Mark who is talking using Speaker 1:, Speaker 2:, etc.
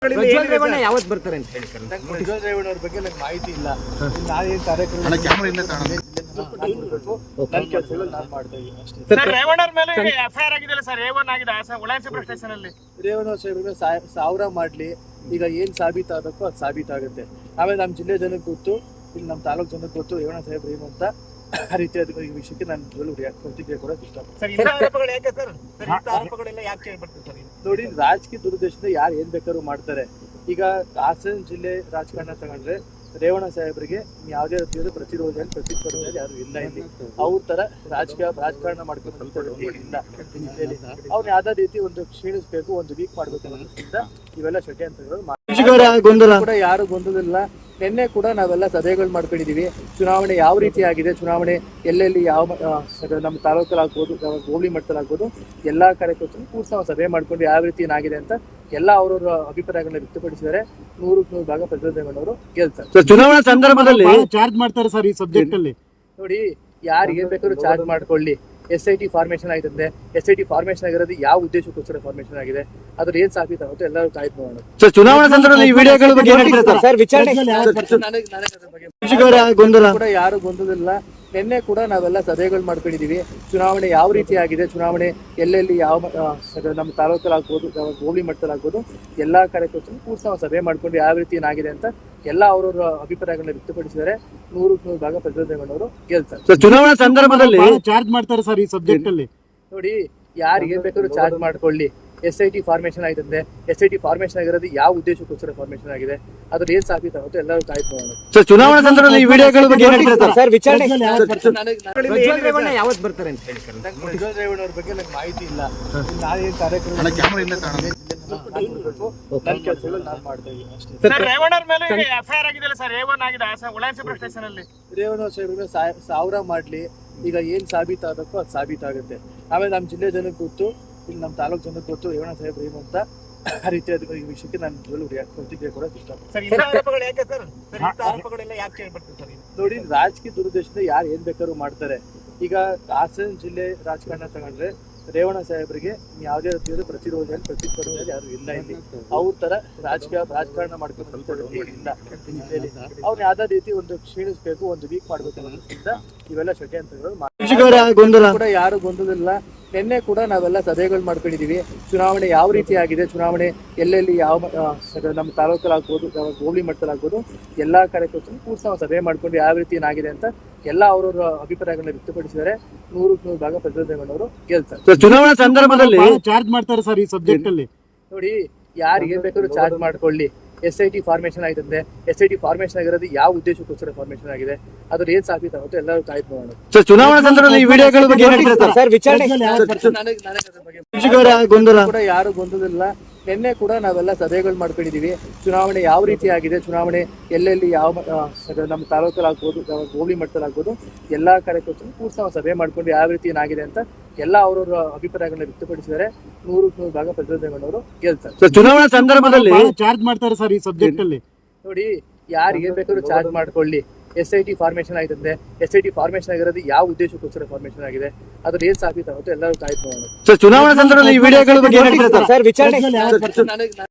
Speaker 1: ಪ್ರಜ್ವಲ್ ರೇವಣ್ಣ ಯಾವತ್ತು ಬರ್ತಾರೆ ಅಂತ ಹೇಳಿ ಸರ್?
Speaker 2: ಪ್ರಜ್ವಲ್ ರೇವಣ್ಣ ಅವ್ರ ಬಗ್ಗೆ ನಂಗೆ ಮಾಹಿತಿ ಇಲ್ಲ. ನಾನೇನು ಕಾರ್ಯಕ್ರಮ ನನ್ನ ಕೆಲಸಗಳು ನಾನು ಮಾಡ್ತಾ ಇದ್ದೀನಿ ಅಷ್ಟೇ.
Speaker 3: ಸರ್ ರೇವಣ್ಣ ಅವ್ರ ಮೇಲೆ ಎಫ್ಐಆರ್ ಆಗಿದೆಯಲ್ಲ ಸರ್, A1 ಆಗಿದೆ ಉಳಾನ್ಸಿಪುರ ಸ್ಟೇಷನ್ ಅಲ್ಲಿ.
Speaker 2: ರೇವಣ್ಣ ಸಾಹೇಬ್ರಿಗೆ 1000 ಮಾಡ್ಲಿ, ಈಗ ಏನ್ ಸಾಬೀತಾಗಬೇಕೋ ಅದು ಸಾಬೀತಾಗುತ್ತೆ. ಆಮೇಲೆ ನಮ್ಮ ಜಿಲ್ಲೆ ಜನಕ್ಕೆ ಗೊತ್ತು, ಇಲ್ಲಿ ನಮ್ಮ ತಾಲೂಕು ಜನಕ್ಕೆ ಗೊತ್ತು ರೇವಣ್ಣ ಸಾಹೇಬ್ರು ಏನು ಅಂತ. ಆ ರೀತಿಯಾದ ಈ ವಿಷಯಕ್ಕೆ ನಾನು ಪ್ರತಿಕ್ರಿಯೆ ಕೊಡೋಕೆ ಇಷ್ಟಪಡ್ತೀನಿ. ನೋಡಿ, ರಾಜಕೀಯ ದುರುದ್ದೇಶದಿಂದ ಯಾರು ಏನ್ ಬೇಕಾದ್ರೂ ಮಾಡ್ತಾರೆ. ಈಗ ಹಾಸನ ಜಿಲ್ಲೆ ರಾಜಕಾರಣ ತಗೊಂಡ್ರೆ ರೇವಣ್ಣ ಸಾಹೇಬ್ರಿಗೆ ಯಾವುದೇ ರೀತಿಯಾದ ಪ್ರತಿರೋಧ ಪ್ರತಿಸ್ಪರ್ಧೆ ಯಾರು ಇಲ್ಲ. ಇಲ್ಲಿ ಅವ್ರ ತರ ರಾಜಕಾರಣ ಮಾಡ್ಕೊಂಡು ಇಲ್ಲ. ಅವ್ರು ಯಾವ್ದಾದ ರೀತಿ ಒಂದು ಕ್ಷೀಣಿಸ್ಬೇಕು, ಒಂದು ವೀಕ್ ಮಾಡ್ಬೇಕು ಅನ್ನೋದ್ರಿಂದ ಇವೆಲ್ಲ ಷಡ್ಯಂತ್ರಗಳು ಕೂಡ ಯಾರು ಗೊಂದಲಿಲ್ಲ. ನಿನ್ನೆ ಕೂಡ ನಾವೆಲ್ಲ ಸಭೆಗಳು ಮಾಡ್ಕೊಂಡಿದೀವಿ. ಚುನಾವಣೆ ಯಾವ ರೀತಿ ಆಗಿದೆ, ಚುನಾವಣೆ ಎಲ್ಲೆಲ್ಲಿ ಯಾವ ನಮ್ಮ ತಾಲೂಕಲ್ಲಾಗ್ಬೋದು, ಹೋಬಳಿ ಮಟ್ಟದಲ್ಲಾಗ್ಬೋದು, ಎಲ್ಲಾ ಕಾರ್ಯಕರ್ತರು ಕೂಡ ನಾವು ಸಭೆ ಮಾಡ್ಕೊಂಡು ಯಾವ ರೀತಿ ಏನಾಗಿದೆ ಅಂತ ಎಲ್ಲ ಅವರವರ ಅಭಿಪ್ರಾಯಗಳನ್ನ ವ್ಯಕ್ತಪಡಿಸಿದರೆ 100% ಭಾಗ ಪ್ರಜ್ವಲ್ ರೇವಣ್ಣ ಅವರು ಗೆಲ್ತಾರೆ.
Speaker 1: ಚುನಾವಣಾ ಸಂದರ್ಭದಲ್ಲಿ
Speaker 4: ಚಾರ್ಜ್ ಮಾಡ್ತಾರೆ ಸರ್ ಈ ಸಬ್ಜೆಕ್ಟ್ ಅಲ್ಲಿ.
Speaker 2: ನೋಡಿ, ಯಾರು ಏನ್ ಬೇಕಾದ್ರೂ ಚಾರ್ಜ್ ಮಾಡ್ಕೊಳ್ಳಿ. SIT ಫಾರ್ಮೇಶನ್ ಆಗಿದೆ. SIT ಫಾರ್ಮೇಶನ್ ಆಗಿರೋದು ಯಾವ ಉದ್ದೇಶಕ್ಕೋಸ್ಕರ ಫಾರ್ಮೇಶನ್ ಆಗಿದೆ, ಅದ್ರ ಏನ್ ಸಾಬೀತಾಗುತ್ತೆ ಎಲ್ಲರೂ ಕಾಯ್ದು ನೋಡೋಣ.
Speaker 1: ಚುನಾವಣಾ ಸಂದರ್ಭದಲ್ಲಿ ಈ ವಿಡಿಯೋಗಳ ಬಗ್ಗೆ ಸರ್ ವಿಚಾರಣೆ
Speaker 2: ಕೂಡ ಯಾರು ಗೊಂದಲಿಲ್ಲ. ನಿನ್ನೆ ಕೂಡ ನಾವೆಲ್ಲ ಸಭೆಗಳು ಮಾಡ್ಕೊಂಡಿದೀವಿ. ಚುನಾವಣೆ ಯಾವ ರೀತಿ ಆಗಿದೆ, ಚುನಾವಣೆ ಎಲ್ಲೆಲ್ಲಿ ಯಾವ ನಮ್ಮ ತಾಲೂಕಲ್ಲಾಗ್ಬೋದು, ಹೋಬಳಿ ಮಟ್ಟದಲ್ಲಾಗ್ಬೋದು, ಎಲ್ಲಾ ಕಾರ್ಯಕರ್ತರು ಕೂಡ ನಾವು ಸಭೆ ಮಾಡ್ಕೊಂಡು ಯಾವ ರೀತಿ ಏನಾಗಿದೆ ಅಂತ ಎಲ್ಲ ಅವರವರ ಅಭಿಪ್ರಾಯಗಳನ್ನ ವ್ಯಕ್ತಪಡಿಸಿದರೆ 100% ಭಾಗ ಪ್ರಜ್ವಲ್ ರೇವಣ್ಣ ಅವರು ಗೆಲ್ತಾರೆ.
Speaker 1: ಚುನಾವಣಾ ಸಂದರ್ಭದಲ್ಲಿ
Speaker 4: ಚಾರ್ಜ್ ಮಾಡ್ತಾರೆ ಸರ್ ಈ ಸಬ್ಜೆಕ್ಟ್ ಅಲ್ಲಿ.
Speaker 2: ನೋಡಿ, ಯಾರು ಏನ್ ಬೇಕಾದ್ರೂ ಚಾರ್ಜ್ ಮಾಡ್ಕೊಳ್ಳಿ. SIT ಫಾರ್ಮೇಶನ್ ಆಗಿದೆ. SIT ಫಾರ್ಮೇಶನ್ ಆಗಿರೋದು ಯಾವ ಉದ್ದೇಶಕ್ಕೋಸ್ಕರ ಫಾರ್ಮೇಶನ್ ಆಗಿದೆ, ಅದ್ರ ಏನ್ ಸಾಬೀತಾಗುತ್ತೆ ಎಲ್ಲರೂ ಕಾಯ್ದು ನೋಡೋಣ.
Speaker 1: ಚುನಾವಣಾ ಸಂದರ್ಭದಲ್ಲಿ ಈ ವಿಡಿಯೋಗಳ ಬಗ್ಗೆ ಸರ್ ವಿಚಾರಣೆ
Speaker 2: ಪ್ರಜ್ವಲ್
Speaker 1: ರೇವಣ್ಣ ಯಾವತ್ತು ಬರ್ತಾರೆ ಅಂತ ಹೇಳಿ ಸರ್?
Speaker 2: ಪ್ರಜ್ವಲ್ ರೇವಣ್ಣ ಅವ್ರ ಬಗ್ಗೆ ನಂಗೆ ಮಾಹಿತಿ ಇಲ್ಲ. ನಾನೇನು ಕಾರ್ಯಕ್ರಮ ನನ್ನ ಕೆಲಸಗಳು ನಾನು ಮಾಡ್ತಾ ಇದ್ದೀನಿ ಅಷ್ಟೇ.
Speaker 3: ಸರ್ ರೇವಣ್ಣ ಅವ್ರ ಮೇಲೆ ಎಫ್ಐಆರ್ ಆಗಿದೆಯಲ್ಲ ಸರ್, A1 ಆಗಿದೆ ಉಳಾನ್ಸಿಪುರ ಸ್ಟೇಷನ್ ಅಲ್ಲಿ.
Speaker 2: ರೇವಣ್ಣ ಸಾಹೇಬ್ರಿಗೆ 1000 ಮಾಡ್ಲಿ, ಈಗ ಏನ್ ಸಾಬೀತಾಗಬೇಕೋ ಅದು ಸಾಬೀತಾಗುತ್ತೆ. ಆಮೇಲೆ ನಮ್ಮ ಜಿಲ್ಲೆ ಜನಕ್ಕೆ ಗೊತ್ತು, ಇಲ್ಲಿ ನಮ್ಮ ತಾಲೂಕು ಜನಕ್ಕೆ ಗೊತ್ತು ರೇವಣ್ಣ ಸಾಹೇಬ್ರು ಏನು ಅಂತ. ಆ ರೀತಿಯಾದ ಈ ವಿಷಯಕ್ಕೆ ನಾನು ಪ್ರತಿಕ್ರಿಯೆ ಕೊಡೋಕೆ ಇಷ್ಟಪಡ್ತೀನಿ. ನೋಡಿ, ರಾಜಕೀಯ ದುರುದ್ದೇಶದಿಂದ ಯಾರು ಏನ್ ಬೇಕಾದ್ರೂ ಮಾಡ್ತಾರೆ. ಈಗ ಹಾಸನ ಜಿಲ್ಲೆ ರಾಜಕಾರಣ ತಗೊಂಡ್ರೆ ರೇವಣ್ಣ ಸಾಹೇಬ್ರಿಗೆ ಯಾವುದೇ ರೀತಿಯಾದ ಪ್ರತಿರೋಧ ಪ್ರತಿಸ್ಪರ್ಧೆ ಯಾರು ಇಲ್ಲ. ಇಲ್ಲಿ ಅವ್ರ ತರ ರಾಜಕಾರಣ ಮಾಡ್ಕೊಂಡು ಇಲ್ಲ. ಅವ್ರು ಯಾವ್ದಾದ ರೀತಿ ಒಂದು ಕ್ಷೀಣಿಸ್ಬೇಕು, ಒಂದು ವೀಕ್ ಮಾಡ್ಬೇಕು ಅನ್ನೋದ್ರಿಂದ ಇವೆಲ್ಲ ಷಡ್ಯಂತ್ರಗಳು ಕೂಡ ಯಾರು ಗೊಂದಲಿಲ್ಲ. ನಿನ್ನೆ ಕೂಡ ನಾವೆಲ್ಲ ಸಭೆಗಳು ಮಾಡ್ಕೊಂಡಿದೀವಿ. ಚುನಾವಣೆ ಯಾವ ರೀತಿ ಆಗಿದೆ, ಚುನಾವಣೆ ಎಲ್ಲೆಲ್ಲಿ ಯಾವ ನಮ್ಮ ತಾಲೂಕಲ್ಲಾಗ್ಬೋದು, ಹೋಬಳಿ ಮಟ್ಟದಲ್ಲಾಗ್ಬೋದು, ಎಲ್ಲಾ ಕಾರ್ಯಕರ್ತರು ಕೂಡ ನಾವು ಸಭೆ ಮಾಡ್ಕೊಂಡು ಯಾವ ರೀತಿ ಏನಾಗಿದೆ ಅಂತ ಎಲ್ಲ ಅವರವರ ಅಭಿಪ್ರಾಯಗಳನ್ನ ವ್ಯಕ್ತಪಡಿಸಿದರೆ 100% ಭಾಗ ಪ್ರಜ್ವಲ್ ರೇವಣ್ಣ ಅವರು ಗೆಲ್ತಾರೆ.
Speaker 1: ಚುನಾವಣಾ ಸಂದರ್ಭದಲ್ಲಿ
Speaker 4: ಚಾರ್ಜ್ ಮಾಡ್ತಾರೆ ಸರ್ ಈ ಸಬ್ಜೆಕ್ಟ್ ಅಲ್ಲಿ.
Speaker 2: ನೋಡಿ, ಯಾರು ಏನ್ ಬೇಕಾದ್ರೂ ಚಾರ್ಜ್ ಮಾಡ್ಕೊಳ್ಳಿ. SIT ಫಾರ್ಮೇಶನ್ ಆಗಿದೆ. SIT ಫಾರ್ಮೇಶನ್ ಆಗಿರೋದು ಯಾವ ಉದ್ದೇಶಕ್ಕೋಸ್ಕರ ಫಾರ್ಮೇಶನ್ ಆಗಿದೆ, ಅದ್ರ ಏನ್ ಸಾಬೀತಾಗುತ್ತೆ ಎಲ್ಲರೂ ಕಾಯ್ದು ನೋಡೋಣ.
Speaker 1: ಚುನಾವಣಾ ಸಂದರ್ಭದಲ್ಲಿ ಈ ವಿಡಿಯೋಗಳ ಬಗ್ಗೆ ಸರ್ ವಿಚಾರಣೆ
Speaker 2: ಕೂಡ ಯಾರು ಗೊಂದಲಿಲ್ಲ. ನಿನ್ನೆ ಕೂಡ ನಾವೆಲ್ಲ ಸಭೆಗಳು ಮಾಡ್ಕೊಂಡಿದೀವಿ. ಚುನಾವಣೆ ಯಾವ ರೀತಿ ಆಗಿದೆ, ಚುನಾವಣೆ ಎಲ್ಲೆಲ್ಲಿ ಯಾವ ನಮ್ಮ ತಾಲೂಕಲ್ಲಾಗ್ಬೋದು, ಹೋಬಳಿ ಮಟ್ಟದಲ್ಲಾಗ್ಬೋದು, ಎಲ್ಲಾ ಕಾರ್ಯಕರ್ತರು ಕೂಡ ನಾವು ಸಭೆ ಮಾಡ್ಕೊಂಡು ಯಾವ ರೀತಿ ಏನಾಗಿದೆ ಅಂತ ಎಲ್ಲ ಅವರವರ ಅಭಿಪ್ರಾಯಗಳನ್ನ ವ್ಯಕ್ತಪಡಿಸಿದರೆ 100% ಭಾಗ ಪ್ರಜ್ವಲ್ ರೇವಣ್ಣ ಅವರು ಗೆಲ್ತಾರೆ.
Speaker 1: ಚುನಾವಣಾ ಸಂದರ್ಭದಲ್ಲಿ
Speaker 4: ಚಾರ್ಜ್ ಮಾಡ್ತಾರೆ ಸರ್ ಈ ಸಬ್ಜೆಕ್ಟ್ ಅಲ್ಲಿ.
Speaker 2: ನೋಡಿ, ಯಾರು ಏನ್ ಬೇಕಾದ್ರೂ ಚಾರ್ಜ್ ಮಾಡ್ಕೊಳ್ಳಿ. SIT ಫಾರ್ಮೇಶನ್ ಆಗಿದೆ. SIT ಫಾರ್ಮೇಶನ್ ಆಗಿರೋದು ಯಾವ ಉದ್ದೇಶಕ್ಕೋಸ್ಕರ ಫಾರ್ಮೇಶನ್ ಆಗಿದೆ, ಅದ್ರ ಏನ್ ಸಾಬೀತಾಗುತ್ತೆ ಎಲ್ಲರೂ ಕಾಯ್ದು ನೋಡೋಣ.
Speaker 1: ಚುನಾವಣಾ ಸಂದರ್ಭದಲ್ಲಿ ಈ ವಿಡಿಯೋಗಳ ಬಗ್ಗೆ ಸರ್ ವಿಚಾರಣೆ